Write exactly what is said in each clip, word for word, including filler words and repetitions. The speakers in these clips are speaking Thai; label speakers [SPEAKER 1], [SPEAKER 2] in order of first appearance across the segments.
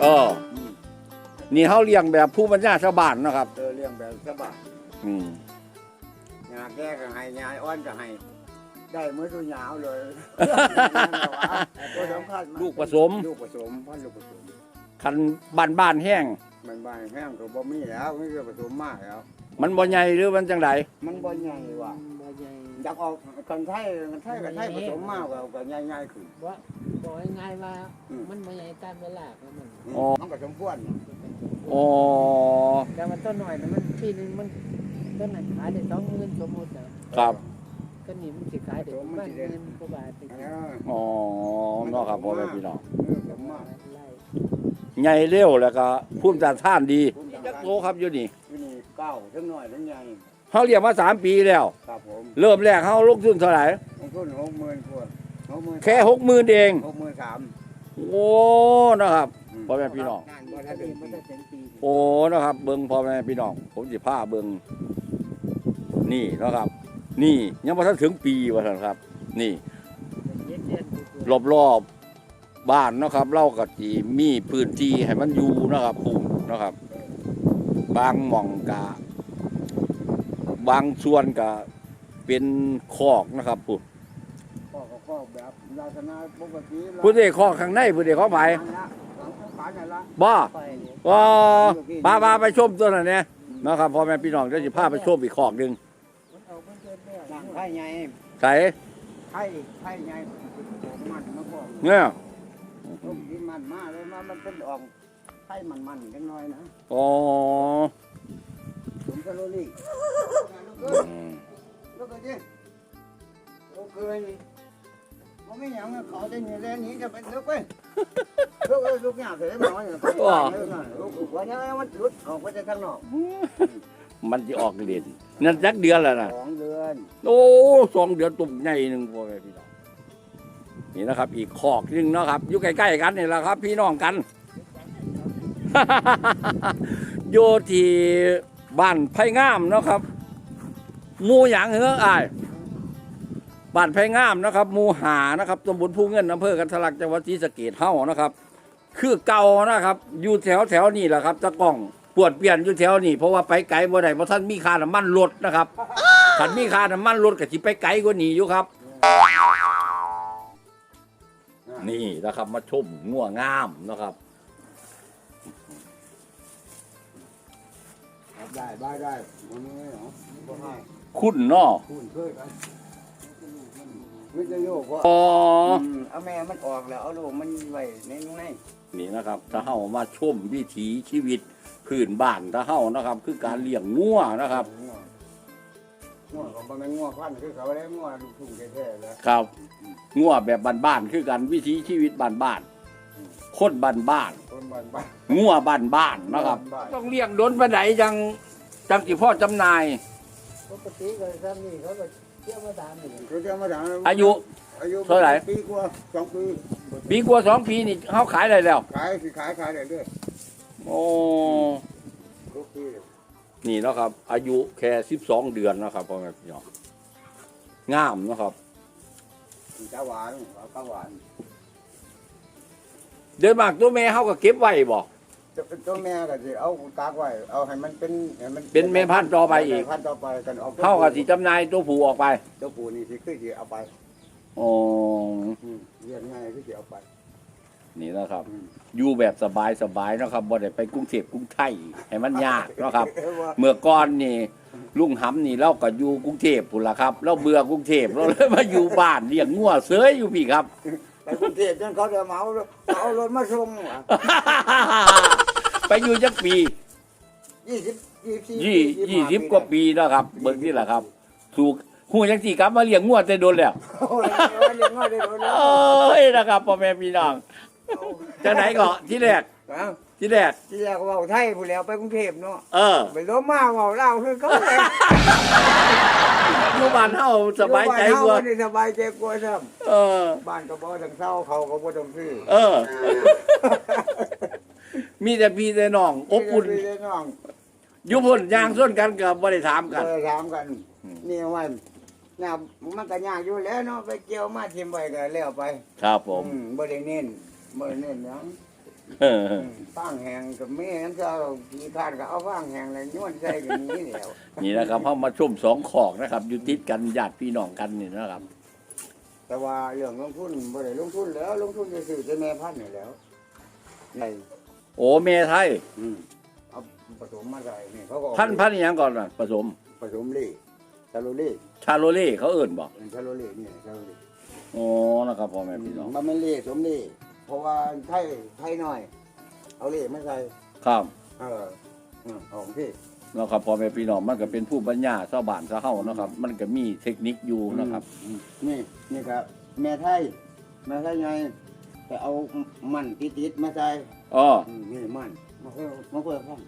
[SPEAKER 1] ออนี่เขาเลี้ยงแบบผู้ปัญญาชาวบ้านนะครับ
[SPEAKER 2] เออเลี้ยงแบบสบาย
[SPEAKER 1] อืม
[SPEAKER 2] หญ้าแก่ก็ให้หญ้าอ่อนก็ให้ได้เมื่อตัวหยาวเลยตัวสำคัญมาก
[SPEAKER 1] ลูกผสม
[SPEAKER 2] ลูกผสมพันธุ์ลูกผสม
[SPEAKER 1] คันบ้านบ้านๆแห้ง
[SPEAKER 2] มันบานแห้งก็บ่มีแล้วไม่ก็ผสมมากแล้ว
[SPEAKER 1] มันบ่ใหญ่หรือมันจังได
[SPEAKER 2] มันบ่ใหญ่ว่ะ
[SPEAKER 3] บ่ใหญ่
[SPEAKER 2] อยากออกกันไทยกันไทยกันไทยผสมมากกว่าก็ใหญ่ๆขึ้น
[SPEAKER 3] บ่บอกง่ายๆว่ามันบ่ใหญ่ตามเวลาของมัน
[SPEAKER 2] มันก็สมควร
[SPEAKER 1] อ๋อ
[SPEAKER 3] แต่มันต้นหน่อยนะมันปีนึงมันต้นนั้นขายได้สองหมื่นสมมุตินะครับ ก็นี่มันสิขายได้ประมาณหมื่นกว่าบาทไป
[SPEAKER 2] เออ
[SPEAKER 1] อ๋อเนาะครับพ่อแม่พี่น้อง
[SPEAKER 2] เออผสมมาก
[SPEAKER 3] ไล่
[SPEAKER 1] ใหญ่เร็วแล้วก็ภูมิต้านทานดีจักโตครับอยู่นี่
[SPEAKER 2] ที่นี่เก้าทั้งน้อยทั้งใหญ่
[SPEAKER 1] เขาเลี้ยงมาสามปีแล้ว
[SPEAKER 2] ครับผม
[SPEAKER 1] เริ่มแรกเขาลงทุนเท่าไหร่
[SPEAKER 2] ลงทุนหกหมื่นขวดหกหมื่น
[SPEAKER 1] แค่หกหมื่นเอง
[SPEAKER 2] หกหมื่นสาม
[SPEAKER 1] โอ้นะครับพ่อแม่พี่น้อง
[SPEAKER 2] บ่ได้
[SPEAKER 3] ถ้า
[SPEAKER 2] เป็
[SPEAKER 3] ดี
[SPEAKER 2] น
[SPEAKER 3] มัน
[SPEAKER 2] ปี
[SPEAKER 3] จะเป็นปี
[SPEAKER 1] โอ้นะครับ เบิ่งพ่อแม่พี่น้อง ผมสิพาเบิ่งนี่นะครับ นี่ยังบ่ทันถึงปีว่าซั่นครับ นี่
[SPEAKER 3] เย็นเย็น
[SPEAKER 1] รอบรอบๆบ้านเนาะครับ เราก็สิมีพื้นที่ให้มันอยู่นะครับปลูกนะครับ บางหม่องกะบางส่วนก็เป็นคอกนะครับปุ๊
[SPEAKER 2] ข้อก็ข้อแบบลักษณะปกติ
[SPEAKER 1] ผู้ใดคอกข้างในผู้ใดของไผ
[SPEAKER 2] หลังของป่านั่นละ
[SPEAKER 1] บ่
[SPEAKER 3] ไปนี่
[SPEAKER 1] ว่าป้าป้าไปชมตัวนั้นเนี่ยนะครับพ่อแม่พี่น้องเดี๋ยวสิพาไปชมอีกคอกหนึง
[SPEAKER 3] มันเอามันเกินแล้ว
[SPEAKER 2] หลังไทยใหญ่
[SPEAKER 1] ใส่
[SPEAKER 2] ไทยไทยใหญ่มันมาก่อน
[SPEAKER 1] เนี่ย
[SPEAKER 2] ลูกที่มันมาเลยมามันเป็นออกไทยมันมันจังน้อยนะ
[SPEAKER 1] อ๋อ
[SPEAKER 2] ผมก็รู้นี่
[SPEAKER 1] อืม
[SPEAKER 2] ลูกก็ดิลูกเคยมันไม่ยังเขาจะหนีแล้วหนีจะไปลูกไปลูกลูกเนี่ยเสียหมอเนี่ยลูกหัวเนี่ยมันหลุดออกไปจากข้างนอก
[SPEAKER 1] มันจะออกเด่นนั่นจักเดือนแล้วนะ
[SPEAKER 2] สองเดือน
[SPEAKER 1] โอ้สองเดือนตุ่มใหญ่หนึ่งพ่อแม่พี่น้องนี่นะครับ อีกคอกหนึงเนาะครับ อยู่ใกล้ๆกันนี่แหละครับ พี่น้องกัน โยที่บ้านไผ่งามเนาะครับหมู่หยางเฮืออ้ายบ้านไผ่งามนะครับหมู่หานะครับตำบลภูเงินอำเภอกันทะลักจังหวัดศรีสะเกษเฮานะครับ คือเก่านะครับ อยู่แถวแถวนี่แหละครับตะกล้องปวดเปลี่ยนอยู่แถวนี่เพราะว่าไปไกลบ่ได้เพราะท่านมีค่าน้ำมันรถนะครับท่านมีค่าน้ำมันรถก็สิไปไกลกว่านี้อยู่ครับ นี่นะครับมาชมงัวงามนะครับ
[SPEAKER 2] ได้ได้ได้มันไม่เหรอบ่ให้
[SPEAKER 1] คุณเนาะ
[SPEAKER 2] คุณเคยกันไม่จะโยกว่า
[SPEAKER 1] อ๋อ
[SPEAKER 2] เอาแม่มันออกแล้วเอาลูกมันไว้ในใน
[SPEAKER 1] นี่นะครับถ้าเฮามาชมวิถีชีวิตพื้นบ้านถ้าเฮานะครับ คือการเลี้ยงงัวนะครับ
[SPEAKER 2] งัวของมันเป็นงัวพันธุ์คือเขาได้งัวลูกทุ่งแท้ๆแล้ว
[SPEAKER 1] ครับงัวแบบบ้านๆคือกันวิถีชีวิตบ้านๆคนบ้าน
[SPEAKER 2] คนบ้านบ้าน
[SPEAKER 1] ๆงัวบ้านๆนะครับ
[SPEAKER 2] บ้าน
[SPEAKER 1] ต้องเลี้ยงโดนปานใดจังจังสิพ่อจำหน่าย
[SPEAKER 3] ปกติก็ซ้ำนี่เขาก็เที่ยวมาตามนี่
[SPEAKER 2] เขาจะมาถาม
[SPEAKER 1] อายุ
[SPEAKER 2] อายุ
[SPEAKER 1] เท่าไหร่
[SPEAKER 2] ปีกว่าสองปี
[SPEAKER 1] ปีกว่าสองปีนี่เฮาขายได้แล้ว
[SPEAKER 2] ขายสิขายขายได้เรื่อย
[SPEAKER 1] โอ้
[SPEAKER 2] ทุกปี
[SPEAKER 1] นี่เนาะครับ อายุแค่สิบสองเดือนนะครับพ่อแม่พี่น้องงามเนาะครับ
[SPEAKER 2] ตาหวานตาหวาน
[SPEAKER 1] เดินมากตัวแม่เฮาก็เก็บไว้บ่
[SPEAKER 2] จะเป็นตัวแม่ก็สิเอาตากไว้เอาให้มันเป็นให้มัน
[SPEAKER 1] เป็นแม่พันธุ์ต่อไปอีก
[SPEAKER 2] แม่พันธุ์ต่อไปกันเอา
[SPEAKER 1] เฮาก็สิจำหน่ายตัวผู้ออกไป
[SPEAKER 2] เจ้าปู่นี่สิคือสิเอาไป
[SPEAKER 1] อ๋อ
[SPEAKER 2] อืมเรียนง่ายคือสิเอาไป
[SPEAKER 1] นี่นะครับ
[SPEAKER 2] อืม
[SPEAKER 1] อยู่แบบสบายสบายๆเนาะครับบ่ได้ไปกรุงเทพกรุงไทยให้มันยากเนาะครับ
[SPEAKER 2] เออว่า
[SPEAKER 1] เมื่อก่อนนี่ลุงหำนี่เราก็อยู่กรุงเทพพุ่นล่ะครับ เราเบื่อกรุงเทพเราเลยมาอยู่บ้านเลี้ยงงัวเสยอยู่พี่ครับ
[SPEAKER 2] ไปกรุงเทพจนเขาจะเหมาเอารถมาส่ง
[SPEAKER 1] ไปอยู่จักปี
[SPEAKER 2] ยี่สิบยี่สิบสี่
[SPEAKER 1] ยี่ยี่สิบกว่าปีแล้วครับเบิ่งนี่แหละครับ ถูกฮู้จังซี่กลับมาเลี้ยงงัวแต่โดนแล้ว
[SPEAKER 2] โอ้ยเรียนง่ายได้โดนแล้ว
[SPEAKER 1] เอ้ยนะครับพ่อแม่พี่น้องจังไหนก็ที่แรก
[SPEAKER 2] อ้าว
[SPEAKER 1] ที่แรก
[SPEAKER 2] ที่แรกเว่าไทยผู้แล้วไปกรุงเทพเนาะ
[SPEAKER 1] เออ
[SPEAKER 2] ไปล้มมาเว่าเล่าวคือเขาเลย
[SPEAKER 1] อยู่บ้านเฮาสบายใจกว่า
[SPEAKER 2] อยู่บ้นเฮนี่สบายใจกว่าซ้
[SPEAKER 1] เออ
[SPEAKER 2] ำบ้านก็บ่ต้องเศร้าเขาก็บ่ต้องซื้อ
[SPEAKER 1] เออ มีแต่พี่แต่น้องอบอุ่น
[SPEAKER 2] พี่น้อง
[SPEAKER 1] อยู่พุ่นย่างส่วนกันก็บ่ได้ถามกัน
[SPEAKER 2] เคยถามกัน
[SPEAKER 1] อืม
[SPEAKER 2] นี่ว่าเนี่ยมันก็ยากอยู่แล้วเนาะไปเกี่ยวมาทิมไว้ก็แล้วไป
[SPEAKER 1] ครับผม
[SPEAKER 2] อืบ่ได้เน้นบ่ได้เน้นหยัง
[SPEAKER 1] เออ
[SPEAKER 2] ฟางแห้งกับแม่นั่นก็เอากี่คานก็เอาฟางแห้งเลยย้วนใส่กันนี้แล้ว
[SPEAKER 1] นี่นะครับเขามาชุ่มสองขอกนะครับ อยู่ติดกันญาติพี่น้องกันนี่นะครับ
[SPEAKER 2] แต่ว่าเรื่องลงทุนบ่ได้ลงทุนแล้วลงทุนจะซื้อแต่แม่พันธุ์นี่แล้วใน
[SPEAKER 1] โอ้เมไทย
[SPEAKER 2] อืมเอาผสมมาใส่นี่เขาก็
[SPEAKER 1] พันพันอหยังก่อนนะผสม
[SPEAKER 2] ผสมเล่ชาโลเล่
[SPEAKER 1] ชาโลเล่เขาเอิ่นบอก
[SPEAKER 2] ชาโลเล่นี่ชาโลเล่
[SPEAKER 1] โอ้นะครับพ่อแม่พี่น้อง
[SPEAKER 2] มันไม่เล่สมเล่เพราะว่าไทยไทยหน่อย เอาเล่มาใส่
[SPEAKER 1] ครับ
[SPEAKER 2] เอออืมของพี่
[SPEAKER 1] นะครับพ่อแม่พี่น้องมันก็เป็นผู้ปัญญาชาวบ้านชาวเฮานะครับ มันก็มีเทคนิคอยู่นะครับ
[SPEAKER 2] อืมนี่นี่ครับแม่ไทยแม่ไทยไงแต่เอามันติดๆมาใส่
[SPEAKER 1] อ๋อ
[SPEAKER 2] อืมนี่มันมาเพื่อมาเพื่อพัน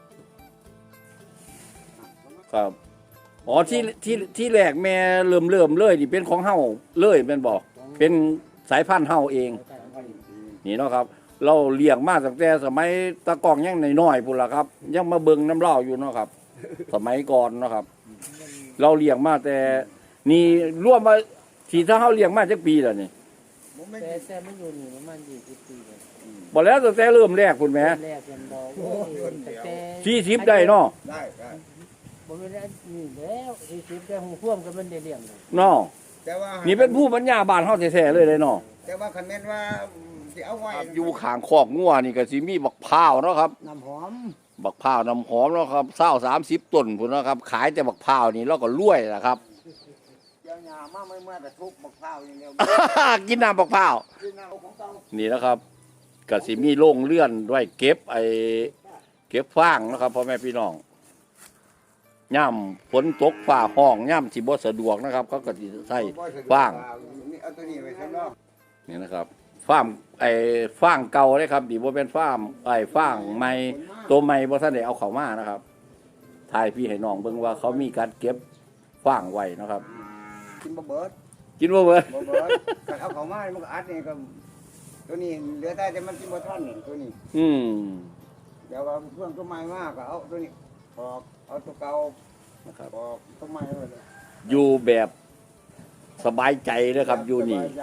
[SPEAKER 1] ครับอ๋อที่ที่ที่แรกแม่เริ่มเริ่มเลยนี่เป็นของเฮาเลยเป็นบอกเป็นสายพันธุ์เฮาเอง นี่เนาะครับ เราเลี้ยงมาตั้งแต่สมัยตะกองยังน้อยๆพุ่นล่ะครับ ยังมาเบิ่งน้ำเล่าอยู่เนาะครับ สมัยก่อนเนาะครับ เราเลี้ยงมาแต่นี่ร่วมมาที่ถ้าเฮาเลี้ยงมาจักปีแล้วนี่
[SPEAKER 2] ผมไม่
[SPEAKER 3] แต่แต่มันอยู่นี่ประมาณยี่สิบปีเลย
[SPEAKER 1] บ่แล้วตั้งแต่เริ่มแรกพุ่นแหม
[SPEAKER 3] แรกยังบอกว่าแต่แต่
[SPEAKER 1] สี่สิบได้เนาะ
[SPEAKER 2] ได้ได้
[SPEAKER 3] บ่แม่นอันนี่แล้วสี่สิบแต่หูพ่วงก็มันได้เลี้ยงเลย
[SPEAKER 1] เนาะ
[SPEAKER 2] แต่ว่า
[SPEAKER 1] นี่เป็นผู้ปัญญาบ้านเฮาแท้ๆเลยเลยเนาะ
[SPEAKER 2] แต่ว่าคันแม่นว่าสิเอาไว้
[SPEAKER 1] อยู่ข้างคอกงัวนี่ก็สิมีบักพร้าวเนาะครับ
[SPEAKER 2] น้ำหอม
[SPEAKER 1] บักพร้าวน้ำหอมเนาะครับเศร้าสามสิบต้นพุ่นเนาะครับ ขายแต่บักพร้าวนี่เราก็รวยล่ะครับ
[SPEAKER 2] เจ้าหญ้ามาไม่เมื่อแต่ทุกบักพร้าวอย่างเดียว
[SPEAKER 1] กินน้ำบักพร้าว
[SPEAKER 2] กินเอาของเก่า
[SPEAKER 1] นี่นะครับก็สิมีโรงเลื่อนไว้เก็บไอ้เก็บฟางนะครับพ่อแม่พี่น้องย่ำฝนตกฝ่าห้องย่ำสิบ่สะดวกนะครับเขาก็สิใส่ฟาง
[SPEAKER 2] นี่เอาตัวนี้ไว้ข้างนอก
[SPEAKER 1] นี่นะครับฟาร์มไอ้ฟางเก่าเลยครับดีบ่เป็นฟาร์มไอ้ฟางใหม่ตัวใหม่บ่ทันได้เอาเข้ามานะครับถ่ายพี่ให้น้องเบิ่งว่าเขามีการเก็บฟางไว้นะครับ
[SPEAKER 2] กินบ่เบิด
[SPEAKER 1] กินบ่เบิด
[SPEAKER 2] บ่เบิดถ้าเอาเข้ามามันก็อัดนี่ก็ตัวนี้เหลือแต่แต่มันกินบ่ทันนี่ตัวนี้
[SPEAKER 1] อืม
[SPEAKER 2] เดี๋ยวว่าเพื่อนตัวใหม่มากก็เอาตัวนี้ปอกเอาตัวเก่า
[SPEAKER 1] นะครับ
[SPEAKER 2] ปอกตัวใหม่ไว้เลย
[SPEAKER 1] อยู่แบบสบายใจเลยครับอยู่นี่
[SPEAKER 2] สบาใจ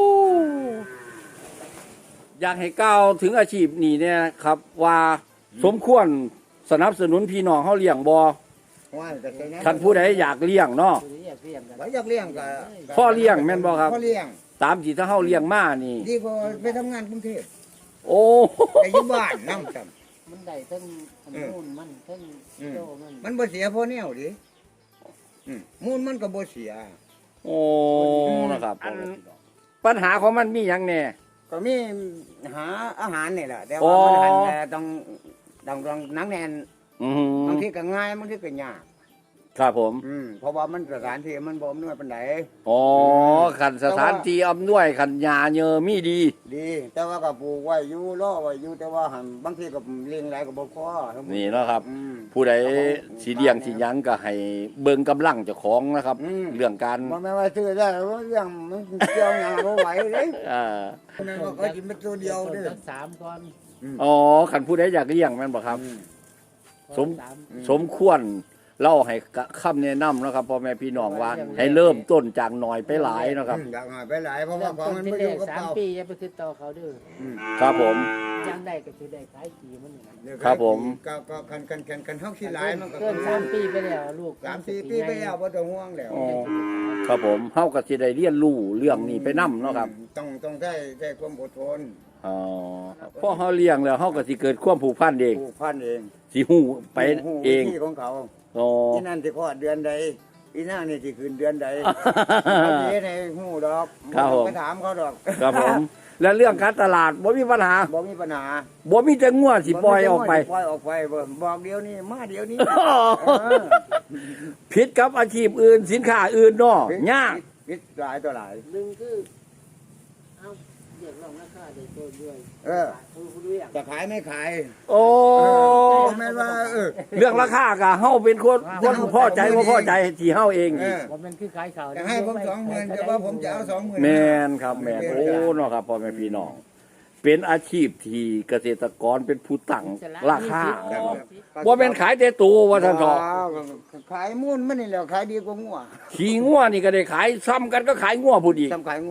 [SPEAKER 1] อยากให้ก้าวถึงอาชีพนี้เนี่ยครับว่าสมควรสนับสนุนพี่น้องเฮาเลี้ยงบ่
[SPEAKER 2] ว่าแต่ใส่
[SPEAKER 1] คันผู้ใดอยากเลี้ยงเนาะ
[SPEAKER 3] ตัวนี้อยากเลี้ยงกัน
[SPEAKER 2] ไว้อยากเลี้ยงก็
[SPEAKER 1] พ่อเลี้ยงแม่นบ่ครับ
[SPEAKER 2] พ่อเลี้ยง
[SPEAKER 1] ตามที่ถ้าเฮาเลี้ยงมานี่
[SPEAKER 2] ดีกว่าไปทำงานกรุงเทพ
[SPEAKER 1] โอ้
[SPEAKER 2] ไปอยู่บ้านนำกัน
[SPEAKER 3] มันได้ทั้งขนุนมันทั้งโตมัน
[SPEAKER 2] มันบ่เสียพ่อแนวดิอืมมูลมันก็บ่เสีย
[SPEAKER 1] โอ้นะครับปัญหาของมันมีหยังแน่
[SPEAKER 2] ก็มีหาอาหารนี่แหละแต่
[SPEAKER 1] อ๋
[SPEAKER 2] ว่า
[SPEAKER 1] อ
[SPEAKER 2] มันหันแต่ต้องต้องต้องหนังแน่น
[SPEAKER 1] อือบ
[SPEAKER 2] างทีก็ง่ายบางทีก็ยาก
[SPEAKER 1] ครับผม
[SPEAKER 2] อืมเพราะว่ามันสถานที่มันบ่อำนวยปานใด
[SPEAKER 1] อ๋อขันสถานที่อำนวยขันยาเยอมีดี
[SPEAKER 2] ดี แต่ว่าก็ปลูกไว้อยู่รอไว้อยู่แต่ว่าหันบางทีก็เลี้ยงหลายก็บ่พอ
[SPEAKER 1] นี่เนาะครับ
[SPEAKER 2] อืม
[SPEAKER 1] ผู้ใดสิเลี้ยงสิหยังก็ให้เบิ่งกำลังเจ้าของนะครับ
[SPEAKER 2] อืม
[SPEAKER 1] เรื่องการ
[SPEAKER 2] บ่แม่นว่าซื้อได้ว่าเรื่องมันเกี่ยวหยังบ่ไหวเด้
[SPEAKER 1] อ่า
[SPEAKER 2] แม่นว่าก็กินเป็นตัวเดียวเด้อ
[SPEAKER 3] ต้นสามก่อน
[SPEAKER 1] อ๋อขันผู้ใดอยากเลี้ยงแม่นบ่ครับ
[SPEAKER 2] อืม
[SPEAKER 1] สม
[SPEAKER 3] สาม
[SPEAKER 1] สมควรเล่าให้คำแนะนำนะครับพ่อแม่พี่น้องว่า ให้เริ่มต้นจากหน่อยไปหลายนะครับ
[SPEAKER 2] อืมอยากหาไปหลายเพราะ
[SPEAKER 3] เริ่
[SPEAKER 2] ว่าม ของ
[SPEAKER 3] ต้น
[SPEAKER 2] มัน
[SPEAKER 3] ที่
[SPEAKER 2] บ่
[SPEAKER 3] แร
[SPEAKER 2] อยู่
[SPEAKER 3] ก
[SPEAKER 2] กับ
[SPEAKER 3] สาม
[SPEAKER 2] เก่า
[SPEAKER 3] ปีอย่าไปติดต่อเขาเด้อ
[SPEAKER 2] อืม
[SPEAKER 1] ครับผม
[SPEAKER 3] ยังได้ก็คือได้ขายขี่มันนี่นะ
[SPEAKER 2] เดี๋ยว
[SPEAKER 1] ครับผม
[SPEAKER 2] ก็ก็คันคันคันคันเฮาขี้หลายมันก็
[SPEAKER 3] เกินสามปีไปแล้วลูก
[SPEAKER 2] สามสี่ปีไปแล้วบ่ต้องห่วงแล้ว
[SPEAKER 1] อ๋อครับผมเฮาก็สิได้เรียนรู้เรื่องนี้ไปนํเนาะครับ
[SPEAKER 2] ต้องต้องใช้ใช้ความอดทน
[SPEAKER 1] อ๋อพอเฮาเลี้ยงแล้วเฮาก็สิเกิดความผูกพันเอง
[SPEAKER 2] ผูกพันเอง
[SPEAKER 1] สิฮู้ไป
[SPEAKER 2] ฮู้
[SPEAKER 1] เอง
[SPEAKER 2] วิธีของเขา
[SPEAKER 1] อ๋อ
[SPEAKER 2] อีนั่นสิคลอดเดือนใดอีนั่นนี่สิคืนเดือนใดเขาสิเฮ็ดให้ฮู้ดอก
[SPEAKER 1] ครับผม
[SPEAKER 2] ไปถามเขาดอก
[SPEAKER 1] ครับผม และเรื่องการตลาดบ่มีปัญหา
[SPEAKER 2] บ่มีปัญหา
[SPEAKER 1] บ่มีแต่งัวสิปล่อยออกไป
[SPEAKER 2] ปล่อยออกไปบ่บอกเดี๋ยวนี้มาเดี๋ยวนี้เออ
[SPEAKER 1] ผิดกับอาชีพอื่นสินค้าอื่นเนาะยาก
[SPEAKER 2] วิทย์หลายต่อหลาย
[SPEAKER 3] หนึ่งคือเอาเรียกร้องราคาได้โตด้วย
[SPEAKER 2] เออ
[SPEAKER 3] ผู้ผู้เลี้ยง
[SPEAKER 2] จะขายไม่ขาย
[SPEAKER 1] โอ้
[SPEAKER 2] บ่แม่นว่าเออ
[SPEAKER 1] เรื่องราคาก็เฮาเป็นคนคนพอใจบ่พอใจที่เฮาเอง
[SPEAKER 2] เออ
[SPEAKER 3] ว่ามันคือขายข่าว
[SPEAKER 2] จะให้ผมสองหมื่นแต่ว่าผมจะเอาสองหมื่น
[SPEAKER 1] แม่นครับแม่นโอ้เนาะครับพ่อแม่พี่น้องเป็นอาชีพที่เกษตรกรเป็นผู้ตั้งราคาบ่แม่นขายแต่ตัวว่าท่านเถาะ
[SPEAKER 2] ขายมูลมันนี่แหละขายดีกว่างัว
[SPEAKER 1] ขี่งัวนี่ก็ได้ขายซ้ำกันก็ขายงัวผู้อีก
[SPEAKER 2] ทำขายงัว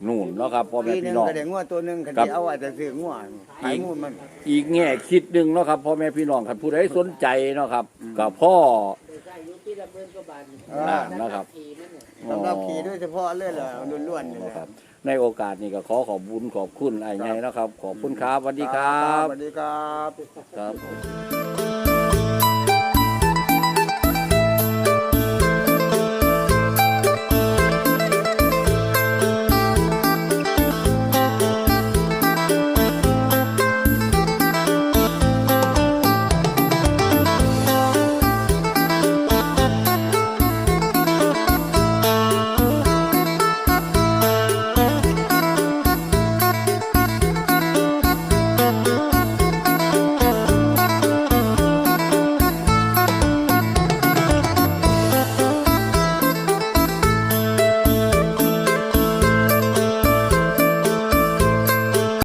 [SPEAKER 1] นู่นเนาะครับพ่อแม่
[SPEAKER 2] ปีหนึ
[SPEAKER 1] พี่
[SPEAKER 2] ง
[SPEAKER 1] น้อง
[SPEAKER 2] ก็ได้งัวตัวหนึงคัน
[SPEAKER 1] ครับ
[SPEAKER 2] ที่เอาไว้แต่ซื้องัวขายมูลมัน
[SPEAKER 1] อีกแง่คิดหนึ่งเนาะครับพ่อแม่พี่น้องครับผู้ใดสนใจเนาะครับกับพ่อ
[SPEAKER 3] ได้อยู่ปีละหมื่นกว่าบาท
[SPEAKER 1] อ่านะครับ
[SPEAKER 3] ขี่มันเนี่ย
[SPEAKER 2] สำหรับขี่โดยเฉพาะเลยเหรอล้วนๆนี่แหละ
[SPEAKER 1] ครับในโอกาสนี้ก็ขอขอบบุญขอบคุณไอ้ไงนะครับ ขอบคุณครับสวัสดีครับ
[SPEAKER 2] สวัสดีครับ
[SPEAKER 1] ครับ